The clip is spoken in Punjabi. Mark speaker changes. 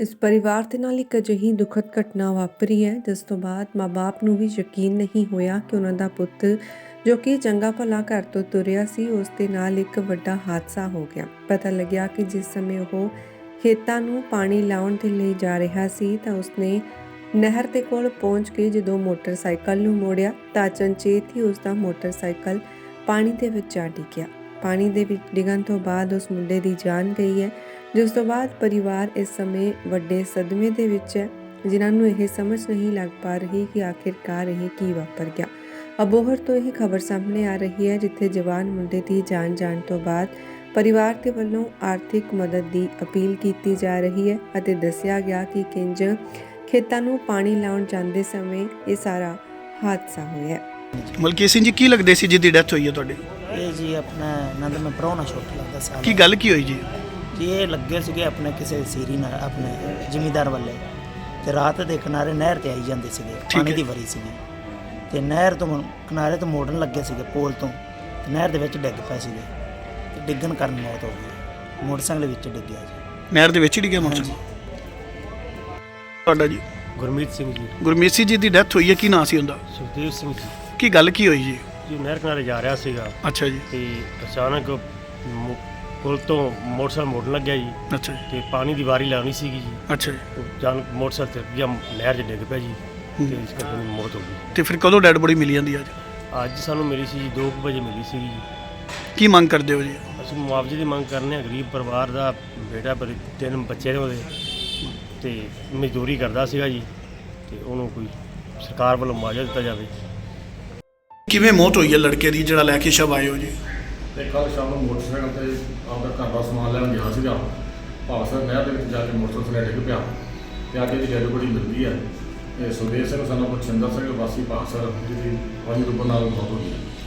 Speaker 1: ਇਸ ਪਰਿਵਾਰ ਦੇ ਨਾਲ ਇੱਕ ਅਜਿਹੀ ਦੁਖਦ ਘਟਨਾ ਵਾਪਰੀ ਹੈ ਜਿਸ ਤੋਂ ਬਾਅਦ ਮਾਂ-ਬਾਪ ਨੂੰ ਵੀ ਯਕੀਨ ਨਹੀਂ ਹੋਇਆ ਕਿ ਉਹਨਾਂ ਦਾ ਪੁੱਤ ਜੋ ਕਿ ਚੰਗਾ ਭਲਾ ਘਰ ਤੋਂ ਤੁਰਿਆ ਸੀ ਉਸ ਦੇ ਨਾਲ ਇੱਕ ਵੱਡਾ ਹਾਦਸਾ ਹੋ ਗਿਆ। ਪਤਾ ਲੱਗਿਆ ਕਿ ਜਿਸ ਸਮੇਂ ਉਹ ਖੇਤਾਂ ਨੂੰ ਪਾਣੀ ਲਾਉਣ ਦੇ ਲਈ ਜਾ ਰਿਹਾ ਸੀ ਤਾਂ ਉਸਨੇ ਨਹਿਰ ਦੇ ਕੋਲ ਪਹੁੰਚ ਕੇ ਜਦੋਂ ਮੋਟਰਸਾਈਕਲ ਨੂੰ ਮੋੜਿਆ ਤਾਂ ਅਚਨਚੇਤ ਹੀ ਉਸ ਦਾ ਮੋਟਰਸਾਈਕਲ ਪਾਣੀ ਦੇ ਵਿੱਚ ਜਾ ਡਿੱਗਿਆ। ਪਾਣੀ ਦੇ ਵਿੱਚ ਡਿੱਗਣ ਤੋਂ ਬਾਅਦ ਉਸ ਮੁੰਡੇ ਦੀ ਜਾਨ ਗਈ ਹੈ, ਜਿਸ ਤੋਂ ਬਾਅਦ ਪਰਿਵਾਰ ਇਸ ਸਮੇਂ ਵੱਡੇ ਸਦਮੇ ਦੇ ਵਿੱਚ ਹੈ, ਜਿਨ੍ਹਾਂ ਨੂੰ ਇਹ ਸਮਝ ਨਹੀਂ ਲੱਗ ਪਾ ਰਹੀ ਕਿ ਆਖਿਰਕਾਰ ਇਹ ਕੀ ਵਾਪਰ ਗਿਆ। ਅਬੋਹਰ ਤੋਂ ਇਹ ਖਬਰ ਸਾਹਮਣੇ ਆ ਰਹੀ ਹੈ ਜਿੱਥੇ ਜਵਾਨ ਮੁੰਡੇ ਦੀ ਜਾਨ ਜਾਣ ਤੋਂ ਬਾਅਦ ਪਰਿਵਾਰ ਦੇ ਵੱਲੋਂ ਆਰਥਿਕ ਮਦਦ ਦੀ ਅਪੀਲ ਕੀਤੀ ਜਾ ਰਹੀ ਹੈ ਅਤੇ ਦੱਸਿਆ ਗਿਆ ਕਿ ਕਿੰਜ ਖੇਤਾਂ ਨੂੰ ਪਾਣੀ ਲਾਉਣ ਜਾਂਦੇ ਸਮੇਂ ਇਹ ਸਾਰਾ ਹਾਦਸਾ ਹੋਇਆ।
Speaker 2: ਮਲਕੀਤ ਸਿੰਘ ਜੀ, ਕੀ ਲੱਗਦੇ ਸੀ ਜਿਹਦੀ ਡੈਥ ਹੋਈ ਹੈ ਤੁਹਾਡੀ?
Speaker 3: ਇਹ ਜੀ ਆਪਣਾ ਨੰਦ ਮੈਂ ਪ੍ਰਾਹੁਣਾ ਛੋਟਾ ਲੱਗਦਾ ਸਾਲ
Speaker 2: ਕੀ ਗੱਲ ਕੀ ਹੋਈ ਜੀ?
Speaker 3: ਜੀ ਇਹ ਲੱਗੇ ਸੀਗੇ ਆਪਣੇ ਕਿਸੇ ਸੀਰੀ ਨਾਲ ਆਪਣੇ ਜ਼ਿਮੀਂਦਾਰ ਵਾਲੇ ਤੇ ਰਾਤ ਦੇ ਕਿਨਾਰੇ ਨਹਿਰ ਤੇ ਆਈ ਜਾਂਦੇ ਸੀਗੇ, ਪਾਣੀ ਦੀ ਵਰੀ ਸੀਗੀ ਤੇ ਨਹਿਰ ਤੋਂ ਕਿਨਾਰੇ ਤੋਂ ਮੋੜਨ ਲੱਗੇ ਸੀਗੇ ਪੋਲ ਤੋਂ ਤੇ ਨਹਿਰ ਦੇ ਵਿੱਚ ਡਿੱਗ ਪਏ ਸੀਗੇ ਤੇ ਡਿੱਗਣ ਕਾਰਨ ਮੌਤ ਹੋ ਗਈ। ਮੋਟਰਸਾਈਕਲ ਵਿੱਚ ਡਿੱਗਿਆ ਜੀ,
Speaker 2: ਨਹਿਰ ਦੇ ਵਿੱਚ ਹੀ ਡਿੱਗਿਆ ਮੋਟਰਸਾਈਕਲ। ਤੁਹਾਡਾ ਜੀ?
Speaker 4: ਗੁਰਮੀਤ ਸਿੰਘ ਜੀ।
Speaker 2: ਗੁਰਮੀਤ ਸਿੰਘ ਜੀ ਦੀ ਡੈਥ ਹੋਈ ਹੈ, ਕੀ ਨਾਂ ਸੀ ਉਹਦਾ?
Speaker 4: ਸੁਖਦੇਵ ਸਿੰਘ ਜੀ।
Speaker 2: ਕੀ ਗੱਲ ਕੀ ਹੋਈ ਜੀ?
Speaker 4: ਜੀ ਨਹਿਰ ਕਿਨਾਰੇ ਜਾ ਰਿਹਾ ਸੀਗਾ
Speaker 2: ਅੱਛਾ ਜੀ।
Speaker 4: ਤੇ ਅਚਾਨਕ ਪੁਲ ਤੋਂ ਮੋਟਰਸਾਈਕਲ ਮੋੜਨ ਲੱਗਿਆ ਜੀ
Speaker 2: ਅੱਛਾ ਜੀ।
Speaker 4: ਤੇ ਪਾਣੀ ਦੀ ਵਾਰੀ ਲਾਉਣੀ ਸੀਗੀ ਜੀ।
Speaker 2: ਅੱਛਾ ਜੀ।
Speaker 4: ਅਚਾਨਕ ਮੋਟਰਸਾਈਕਲ ਤੇ ਗਿਆ, ਨਹਿਰ 'ਚ ਡਿੱਗ ਪਿਆ ਜੀ ਤੇ ਇਸ ਕਰਕੇ ਉਹਦੀ ਮੌਤ ਹੋ ਗਈ।
Speaker 2: ਤੇ ਫਿਰ ਕਦੋਂ ਡੈਡ ਬੋਡੀ ਮਿਲੀ ਜਾਂਦੀ ਅੱਜ?
Speaker 4: ਅੱਜ ਸਾਨੂੰ ਮਿਲੀ ਸੀ ਜੀ 2 ਵਜੇ ਮਿਲੀ ਸੀਗੀ ਜੀ।
Speaker 2: ਕੀ ਮੰਗ ਕਰਦੇ ਹੋ ਜੀ?
Speaker 4: ਅਸੀਂ ਮੁਆਵਜ਼ੇ ਦੀ ਮੰਗ ਕਰਨੇ ਆ। ਗਰੀਬ ਪਰਿਵਾਰ ਦਾ ਬੇਟਾ 3 ਬੱਚੇ ਨੇ ਉਹਦੇ ਤੇ ਮਜ਼ਦੂਰੀ ਕਰਦਾ ਸੀਗਾ ਜੀ ਤੇ ਉਹਨੂੰ ਕੋਈ ਸਰਕਾਰ ਵੱਲੋਂ ਮੁਆਵਜ਼ਾ ਦਿੱਤਾ ਜਾਵੇ।
Speaker 2: ਕਿਵੇਂ ਮੌਤ ਹੋਈ ਹੈ ਲੜਕੇ ਦੀ ਜਿਹੜਾ ਲੈ ਕੇ ਸ਼ਵ ਆਏ ਹੋ ਜੀ?
Speaker 5: ਤੇ ਕੱਲ੍ਹ ਸ਼ਾਮ ਨੂੰ ਮੋਟਰਸਾਈਕਲ ਤੇ ਆਪਦਾ ਘਰ ਦਾ ਸਮਾਨ ਲੈਣ ਗਿਆ ਸੀਗਾ। ਭਾਵਸਰ ਨਹਿਰ ਦੇ ਵਿੱਚ ਜਾ ਕੇ ਮੋਟਰਸਾਈਕਲ ਡਿੱਗ ਪਿਆ ਤੇ ਅੱਜ ਇਹਦੀ ਡੈਡ ਬੋਡੀ ਮਿਲਦੀ ਹੈ। ਤੇ ਸੁਖਦੇਵ ਸਿੰਘ ਸਾਨੂੰ ਪੁਛਿੰਦਰ ਸਿੰਘ ਵਾਸੀ ਭਾਵਸਰ ਜਿਹਦੀ ਪਾਣੀ ਡੁੱਬਣ ਨਾਲ ਮੌਤ ਹੋ ਗਈ।